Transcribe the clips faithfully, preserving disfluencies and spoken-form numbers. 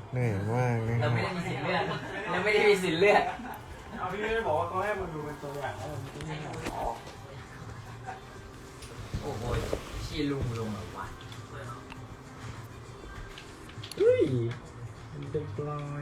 เหนื่อยมากนะคเรารับไม่ได้มีสิทธิ์เลือกเราไม่ได้มีสิทธิ์เลือกเอาพี่ไม่ได้บอกว่าเขาให้มึงดูเป็นตัวอย่างแล้วมึงจะไม่ออกโอ้โหชี้ลุงลุงแบบว่าเฮ้ยเด็กลอย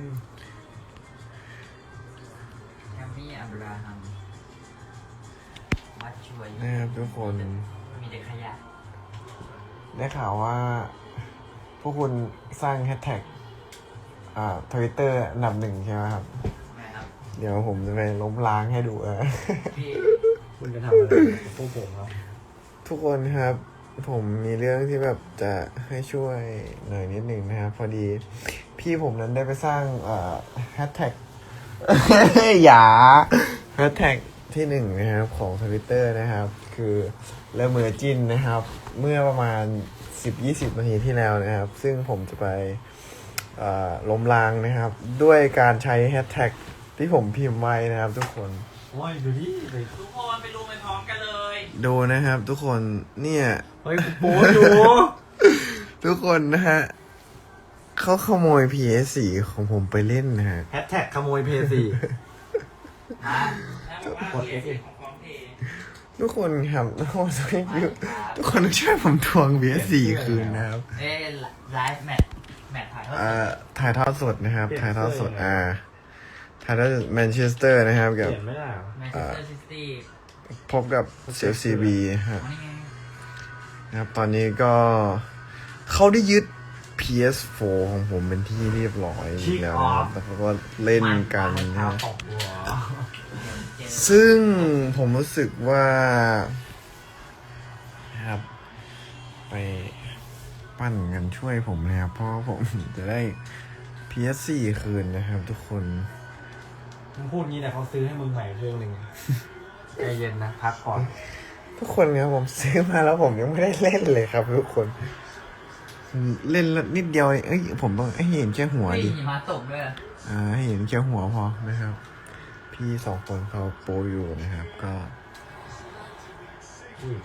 แฮมมี่อับราฮัมวัดช่วยนะครับทุกคนมีแต่ขยะได้ข่าวว่า พวกคุณสร้างแฮชแท็กอ่าทวิตเตอร์อันดับหนึ่งใช่ไหมครับนะครับเดี๋ยวผมจะไปล้มล้างให้ดูเออพี่คุณจะทำอะไรกับพวกผมครับทุกคนครับ ผมมีเรื่องที่แบบจะให้ช่วยหน่อยนิดหนึ่งนะครับ พอดีพี่ผมนั้นได้ไปสร้างแฮชแท็ก อย่าแฮชแท็กที่หนึ่งนะครับของทวิตเตอร์นะครับ คือเลเมอร์จินนะครับ เมื่อประมาณ สิบถึงยี่สิบ นาทีที่แล้วนะครับ ซึ่งผมจะไปล้มล้างนะครับ ด้วยการใช้แฮชแท็กที่ผมพิมพ์ไว้นะครับ ทุกคนโอ้ยดูดิไปทุกคนไปรู้ไปพร้อมกันเลยดูนะครับ ทุกคนเนี่ยเฮ้ยกูโป๊ดูทุกคนนะฮะเขาขโมย พี เอส โฟร์ ของผมไปเล่นนะฮะแฮชแท็กขโมยเพย์สี่ฮะกด F ของพร้อมเพย์ทุกคนครับทุกคนช่วยทุกคนต้องช่วยผมทวง พี เอส โฟร์ คืนนะครับเอ้ไลฟ์แมทแมทถ่ายทอดอ่าถ่ายทอดสดนะครับ ถ่ายทอดสดอ่าถ่ายทอดแมนเชสเตอร์นะครับเปกับลี่ยนไม่ได้เหรอแมนเชสเตอร์ซิตี้พบกับเชลซีบีฮะนี่ไงนะครับ ตอนนี้ก็เขาได้ยึด พี เอส โฟร์ ของผมเป็นที่เรียบร้อยแล้วนะครับแล้วเขาก็เล่นกันนะข้าวฮะตกวัวซึ่งผมรู้สึกว่านะครับไปปั้นกันช่วยผมนะครับ เพราะว่าผมจะได้ พี เอส โฟร์ คืนนะครับทุกคนมึงพูดงี้แต่เขาซื้อให้มึงใหม่เครื่องหนึ่งใจเย็นนะพักก่อนทุกคนครับผมซื้อมาแล้วผมยังไม่ได้เล่นเลยครับ ทุกคนเล่นแล้วนิดเดียวเองเอ้ยผมต้องให้เห็นแค่หัวเฮ้ยดิหิมะตกด้วยอ่าให้เห็นแค่หัวพอนะครับ พี่สองคนเขาโปรอยู่นะครับ ก็อุ้ย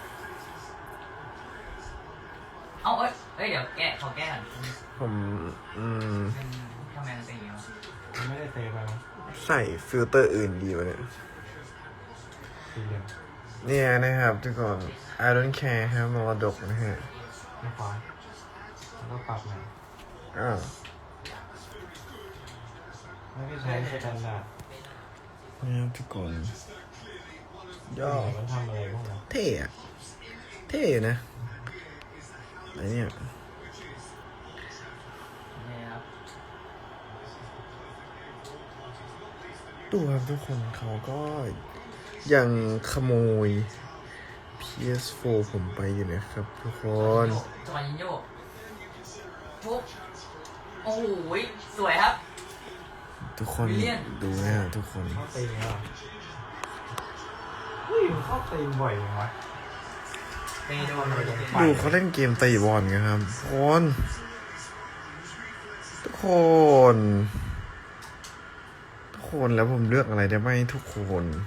เอาเอ้ยเอ้ยเดี๋ยวแก้ขอแก้ก่อนผมอืมเป็นทำไมมันเป็นอย่างนี้วะมันไม่ได้เซฟไปมั้งใส่ฟิลเตอร์อื่นดีวะเนี่ยสี่เหลี่ยมเนี่ยนะครับทุกคน I don't care ครับมรดกนะฮะไม่ควายแล้วก็ปรับใหม่อ้าวไม่ได้ใช้สแตนดาร์ดนะครับทุกคน ย่อมันทำอะไรพวกนั้นเท่อะเท่อยู่นะไอเนี่ยนี่ครับดูครับทุกคนเขาก็ยังขโมย พี เอส โฟร์ ผมไปอยู่นะครับทุกคนจอยยิงโยกปุ๊บโอ้โหสวยครับทุกคนวิลเลียนดูนะฮะทุกคนเข้าตีเหรอเฮ้ยมันเข้าตีบ่อยยังวะไปโดนเลยดูเขาเล่นเกมตีบอลกันครับทุกคนทุกคน ทุกคนแล้วผมเลือกอะไรได้ไหมทุกคน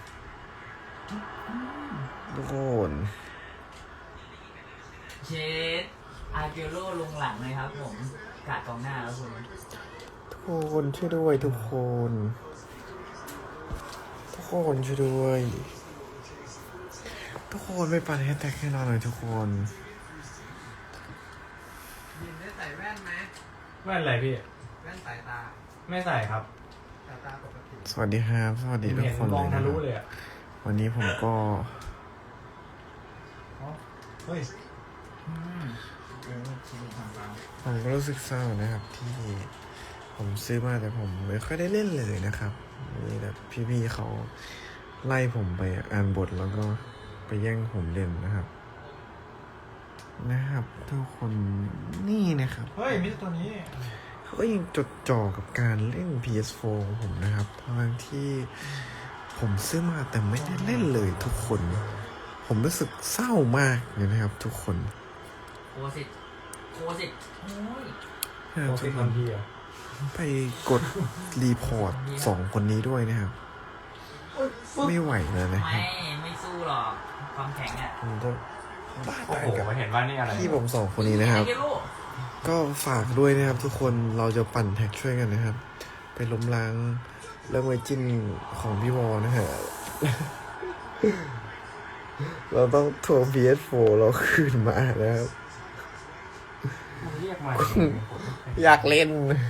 ทุกคนเชดอาร์เกโร่ลงหลังเลยครับผมกาดกองหน้าแล้วคุณทุกคนช่วยด้วยทุกคน ทุกคนช่วยด้วย ทุกคนไม่ปัดแฮชแท็กให้เราหน่อยทุกคนยินได้ใส่แว่นไหมแว่นอะไรพี่แว่นสายตาไม่ใส่ครับสายตาปกติสวัสดีครับ สวัสดีทุกเห็นคนมเลองยทะนะคลุรับเลยอ่ะวันนี้ผมก็อ๋อเฮ้ยอืมเออชีวิตของเราผมก็รู้สึกเศร้านะครับ ที่ผมซื้อมาแต่ผมไม่ค่อยได้เล่นเลยนะครับมีแบบพี่ๆเขาไล่ผมไปอ่านบทแล้วก็ไปแย่งผมเล่นนะครับ นะครับ ทุกคนนี่นะครับเฮ้ยมิสตัวนี้เขาก็ยังจดจ่อกับการเล่น พี เอส โฟร์ ของผมนะครับทั้งที่ผมซื้อมาแต่ไม่ได้เล่นเลยทุกคน ผมรู้สึกเศร้ามากเลยนะครับ ทุกคนโคสิตโคสิตโอ้ยนะคโปรับรทุติกคทันนทีอ่ะไปกดรีพอร์ตสองคนนี้ด้วยนะครับ ไม่ไหวแล้วนะคไม่รับไม่สู้หรอกความแข็งอ่ะผมจะบ้าโอ้ตายโหกับเห็นว่านี่อะไรพี่ผมสองคนนี้นะครับอาร์เกโร่ก็ฝากด้วยนะครับทุกคนเราจะปั่นแท็กช่วยกันนะครับ ไปล้มล้างเรื่องไวจิ้นของพี่วอนะฮะ เราต้องทวง พี เอส โฟร์ เราคืนมานะครับมึงเรียกมาอยากเล่น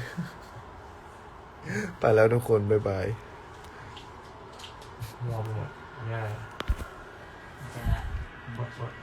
ไปแล้วทุกคน บ๊ายบายมัวไปหมดเนี่ยเจอแล้วบดบด